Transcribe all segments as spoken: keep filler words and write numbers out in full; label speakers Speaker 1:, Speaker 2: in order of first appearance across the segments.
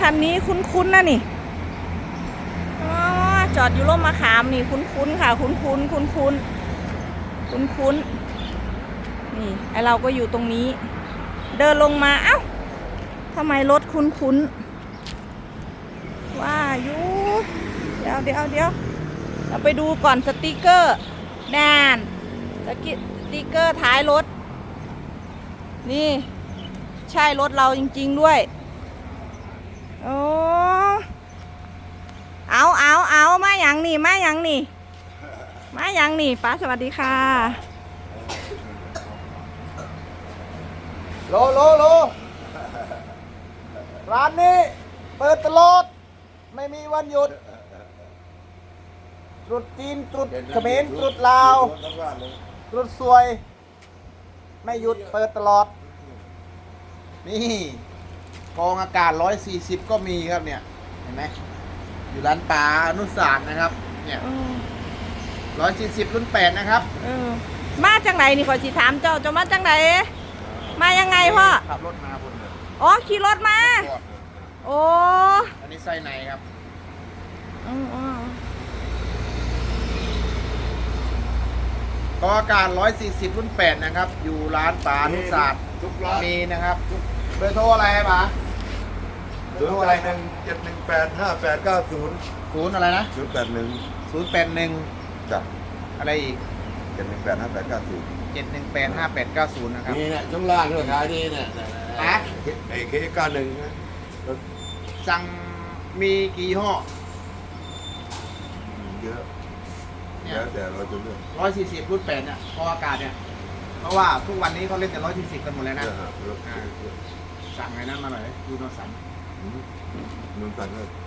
Speaker 1: คันนี้คุ้นๆนะนี่อ๋อจอดอยู่ร่มมะขามนี่คุ้นๆค่ะคุ้นๆคุ้นๆคุ้นๆนี่ไอเราก็อยู่ตรงนี้ เดินลงมาเอ้าทำไมรถคุ้นๆว่าอยู่เดี๋ยวเดี๋ยวเดี๋ยวเราไปดูก่อนสติกเกอร์แน่นสติกเกอร์ท้ายรถนี่ใช่รถเราจริงๆด้วยโอ้เอาเอาเอามาอย่างนี่มาอย่างนี่มาอย่างนี่ป้าสวัสดีค่ะ
Speaker 2: โลโลโลร้านนี้เปิดตลอดไม่มีวันหยุดตรุษจีนตรุษเขมรตรุษลาวตรุษสวยไม่หยุดเปิดตลอดนี่กองอากาศร้อยสี่สิบก็มีครับเนี่ยเห็นไหมอยู่ร้านปลาอนุสารนะครับเนี่ยร้อยสี่สิบรุ่นแปดนะครับ
Speaker 1: เออมาจากไหนนี่ขอสิถามเจ้าเจ้ามาจากไหนมายังไงพ่อ
Speaker 2: ขับรถมาบนเลย
Speaker 1: อ๋อขี่รถมาโอ้
Speaker 2: อันนี้ไส้ในครับ
Speaker 1: อืออ๋
Speaker 2: อกองอากาศร้อยสี่สิบรุ่นแปดนะครับอยู่ร้านปลาอนุสารมีนะครับเบอร์โทรอะไรป๋า
Speaker 3: เบอร์โทรอะไรหนึ่งเจ็ดหนึ่งแปดห้าแปดเก้าศูนย์
Speaker 2: ศูนย์อะไรนะ
Speaker 3: ศูนย์แปดหนึ่ง
Speaker 2: ศูนย์แปดหนึ่ง
Speaker 3: จับ
Speaker 2: อะไรอีก
Speaker 3: เจ็ดหนึ่งแปดห้าแปดเก้าศูนย์
Speaker 2: เจ็ดหนึ่งแปดห้าแปดเก้าศูนย์นะครับ
Speaker 3: นี่เนี่ยช่วงล่างเนี่ยขายดีเนี่ย
Speaker 2: อะ
Speaker 3: ไอ้เคเก้าหนึ่ง
Speaker 2: สั่งมีกี่ห่อ
Speaker 3: เยอะแล้วแต่เราจะเลือก
Speaker 2: ร้อยสี่สิบรุ่นแปดเนี่ยพออากาศเนี่ยเพราะว่าทุกวันนี้เขาเล่นแต่ร้อยสี่สิบกันหมดแล้วนะสั่งไงนั้นมาหน่อยยูโนสัน
Speaker 3: นูนสันเลย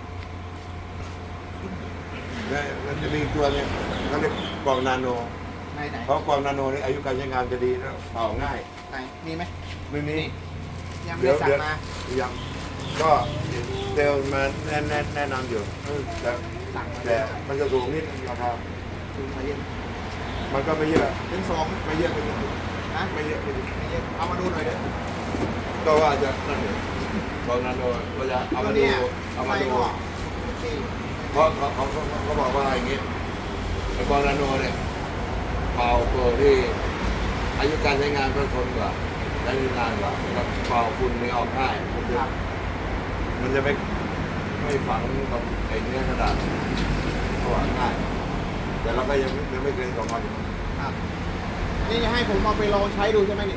Speaker 3: แล้วมันจะมีตัวเนี่ยเขาเรียกกล่องนาโนเพราะกล่องนาโนนี่อายุการใช้งานจะดีแล้วเป่าง่าย
Speaker 2: ไหนมีไหม
Speaker 3: ไม่มี
Speaker 2: ยังไม่สั่งมา
Speaker 3: ยังก็เซลมาแนะแนะนำอยู่แต่แต่มันจะสูงนิดราคา
Speaker 2: สูงมาเยอะ
Speaker 3: มันก็ไม่เยอะ
Speaker 2: เป็นสอง
Speaker 3: ไม่เยอะไม่เยอะ
Speaker 2: นะ
Speaker 3: ไม่เยอะไม่
Speaker 2: เยอะเอามาดูหน่อยเด้อ
Speaker 3: ก็ว่าจะนั่นเองตอนนั้นเราจะเอามาดูเอามาดูเพราะเขาเขาเขาบอกว่าอย่างงี้ไอ้บอลนาโนเนี่ยเป่าตัวที่อายุการใช้งานก็ทนกว่าใช้นานกว่าแล้วเป่าฝุ่นไม่ออกง่ายมันจะมันจะไม่ไม่ฝังกับไอ้เนื้อกระดาษเพราะว่าง่ายแต่เราก็ยังยังไม่เกินสองวัน
Speaker 2: ครับนี่จะให้ผมเอาไปลองใช้ดูใช่ไหมนี่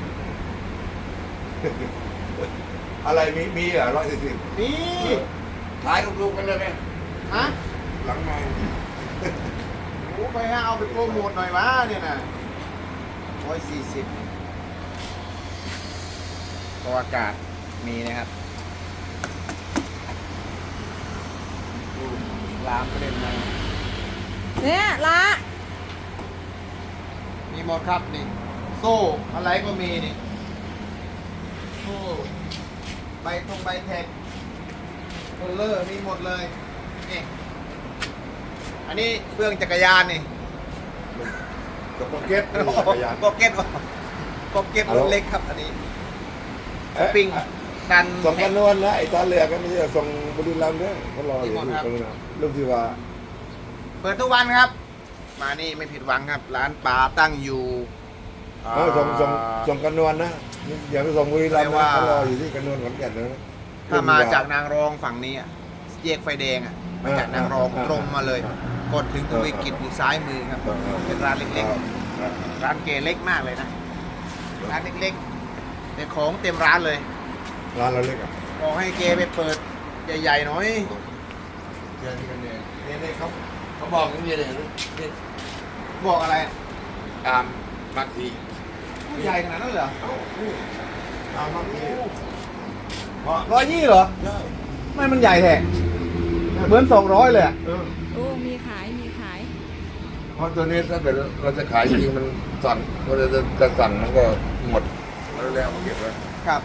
Speaker 3: อะไรมีมีอ่ะร้อยสี่สิบ
Speaker 2: นี่
Speaker 3: ขายลูกๆกันเลยไหม
Speaker 2: ฮะ
Speaker 3: หลังไง
Speaker 2: โอ้ไปฮะเอาไปโปรโมทหน่อยวะเนี่ยนะร้อยสี่สิบตัวอากาศมีนะครับลามประเด็นมา
Speaker 1: เนี่ยละ
Speaker 2: มีหมดครับนี่โซ่อะไรก็มีนี่โซ่ใบตรงใบแท็กโคลเลอร์มีหมดเลยนี่อันนี้เฟืองจักรยานนี่
Speaker 3: กับโปเก็ต
Speaker 2: โปเก็ตโปเก็ตรถเล็กครับอันนี้สปริงดัน
Speaker 3: ส่งกันนวลนะไอ้ตาเรือก็ไม่ใช่ส่งบริลัมด้วยเขารออยู่ที่ตรงนั้นลูกที่ว่า
Speaker 2: เปิดทุกวันครับมานี่ไม่ผิดหวังครับร้านปลาตั้งอยู่
Speaker 3: เออส่งส่งส่งกันนวลนะอย่าไปส่งบริลัมนะเขารออยู่ที่กันนวลขอนแก่นนะ
Speaker 2: ถ้ามาจากนางรองฝั่งนี้แยกไฟแดงอ่ะมาจากนางรองตรงมาเลยกดถึงทวีกิจอยู่ซ้ายมือครับเป็นร้านเล็กๆร้านเกเล็กมากเลยนะร้านเล็กๆแต่ของเต็มร้านเลย
Speaker 3: ร้านเราเล็กอ่ะ
Speaker 2: บอกให้เกไปเปิดใหญ่ๆหน่อย
Speaker 3: เจอที่กันเนี่ยเนี่ยเขาเขาบอกอย่างนี้เลยนี่
Speaker 2: บอกอะไร
Speaker 3: ตามบางที
Speaker 2: ใหญ่ขนาดนั้นเหรอ
Speaker 3: ตามบางที
Speaker 2: ร้อยยี่เหรอไม่มันใหญ่แท้เหมือนสองร้อยเลย
Speaker 1: โอ้มีขายมีขาย
Speaker 3: เพราะตัวนี้ถ้าเกิดเราจะขายจริงมันสั่งเราจะจะสั่งมันก็หมดแล้วแล้วมาเก็บไว้
Speaker 2: ครับ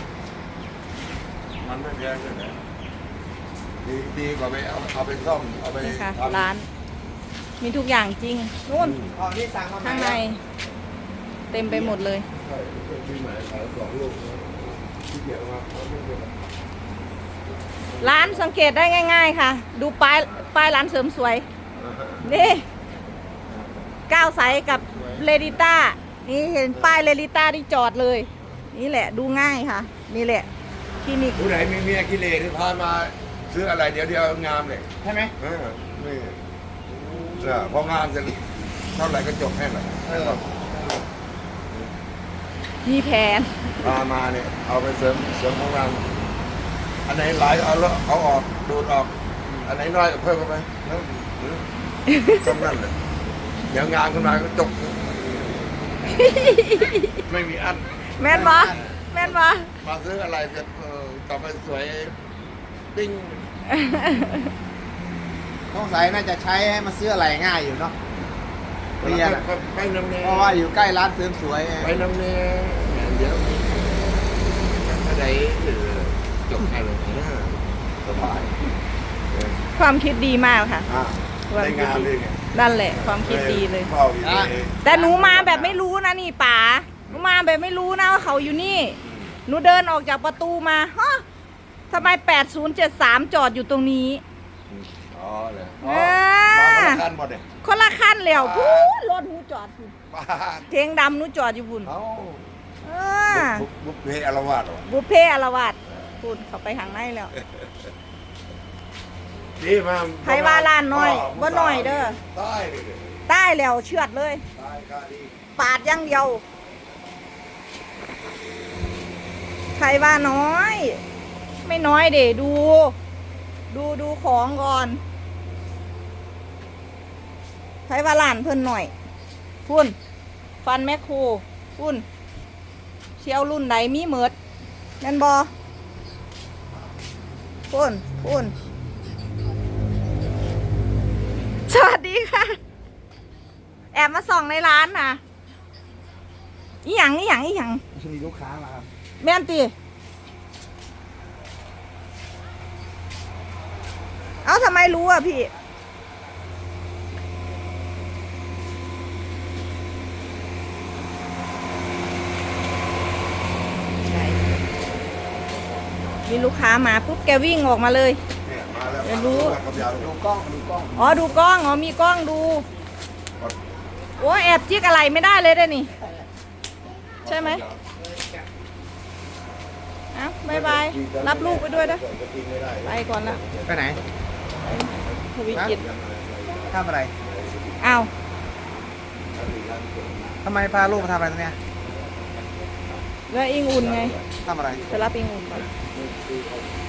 Speaker 3: มันไม่แพงเลยนะดีดีกว่าไปเอาเอาไปซ่อมเอาไป
Speaker 1: ร้านมีทุกอย่างจริงนู่นข้างในเต็มไปหมดเลย
Speaker 3: ใช่ที่หมายขายสองลูกที่เกี่ยวมาเขาไม่เป็นร
Speaker 1: ร้านสังเกตได้ง่าย ๆ ค่ะ ดูป้ายป้ายร้านเสริมสวย นี่ก้าวใสกับเรดิต้านี่เห็นป้ายเรดิต้าที่จอดเลย นี่แหละดูง่ายค่ะ นี่แหละคลินิก
Speaker 3: ผู้ไหนมีเมียกิเลสที่พามาซื้ออะไรเดี๋ยวเดียวงามเลย
Speaker 2: ใช่ไหม
Speaker 3: เออนี่เออพองามจะเท่าไหร่ก็จบแค่นั้น
Speaker 2: เออ
Speaker 1: มีแผน
Speaker 3: พามาเนี่ยเอาไปเสริมเสริมของงามอันไหนหลายเอาแล้วเอาออกดูดออก อันไหนน้อยก็เพิ่มเข้าไปแล้วจำนั่นเลยเดี๋ยวงามขึ้นมาก็จบ ไม่มีอัน
Speaker 1: แม่นบ่แม่นบ่
Speaker 3: มาซื้ออะไรเสร็จเออกลับไปสวยปิ้ง
Speaker 2: ต้องใส่น่าจะใช้ให้มาซื้ออะไรง่ายอยู่เนาะ
Speaker 3: ไป
Speaker 2: เรียนอะ
Speaker 3: ไปน้ำเนย
Speaker 2: เพราะว่าอยู่ใกล้ร้านเสริมสวยไง
Speaker 3: ไปน้ำเนยเดี๋ยวถ้าได้จบให้เลยนะสบายเออ
Speaker 1: ความคิดดีมากค่ะ
Speaker 3: อ่ะได้งานเลยไง
Speaker 1: นั่นแหละ ความคิดดีเลย
Speaker 3: เฝ้าอยู่นี่เอง
Speaker 1: แต่หนูมาแบบไม่รู้นะนี่ป๋าหนูมาแบบไม่รู้นะว่าเขาอยู่นี่ หนูเดินออกจากประตูมาฮะทำไมแปดศูนย์เจ็ดสามจอดอยู่ตรงนี้
Speaker 3: อ๋อเลย
Speaker 1: เอ
Speaker 3: อ๋อ
Speaker 1: อ
Speaker 3: มาคนละคันหมดเลย
Speaker 1: คนละขั้นแล้วพูดรถหนูจอดพุ่น
Speaker 3: ป้า
Speaker 1: เทงดำหนูจอดอยู่พุ่น
Speaker 3: เอ้า
Speaker 1: เออ
Speaker 3: บุกบุกเพอารวาสเหรอ
Speaker 1: บุพเพ่อารวาสพุ่นเขาไปข้างในแล้ว
Speaker 3: นี่มา
Speaker 1: ใครว่าล้านน้อยบ่น้อยเด้อ
Speaker 3: ใต้เลย
Speaker 1: ใต้แล้วเชือดเลย
Speaker 3: ใต้ก็ดี
Speaker 1: ปาดอย่างเดียว ใครว่าน้อย ไม่น้อยเดดู ดูดูของก่อน ใครว่าล้านเพิ่นหน่อย พุ่น ฟันแมคโครพุ่น เชียวรุ่นไหนมีเหมิดแม่นบอพุ่นพุ่น สวัสดีค่ะ แอบมาส่องในร้านนะอีหยังอีหยังอีหยัง
Speaker 2: มีลูกค้ามาครับ
Speaker 1: แม่นตีเอ้าทำไมรู้อ่ะพี่ ใช่ มีลูกค้ามาปุ๊บแกวิ่งออกมาเลย
Speaker 3: เนี่ยมาแล้ว
Speaker 1: เดี๋ยวรู้
Speaker 3: มากับยาว
Speaker 2: ดูกล้องดูกล้อง
Speaker 1: อ๋อดูกล้อง อ๋อมีกล้องดู โอ้แอบจิกอะไรไม่ได้เลยเด้อนี่ ใช่ไหมเอ้าบายบาย รับลูกไปด้วยนะ ไปก่อนละ
Speaker 2: ไปไหน
Speaker 1: ทวีกิจ
Speaker 2: ทำอะไร
Speaker 1: อ้าว
Speaker 2: ทำไมพาลูกมาทำอะไรตรงเนี้ย
Speaker 1: แล้วอิงอุ่นไง
Speaker 2: ทำอะไร
Speaker 1: ไปรับอิงอุ่นก่อน
Speaker 2: อ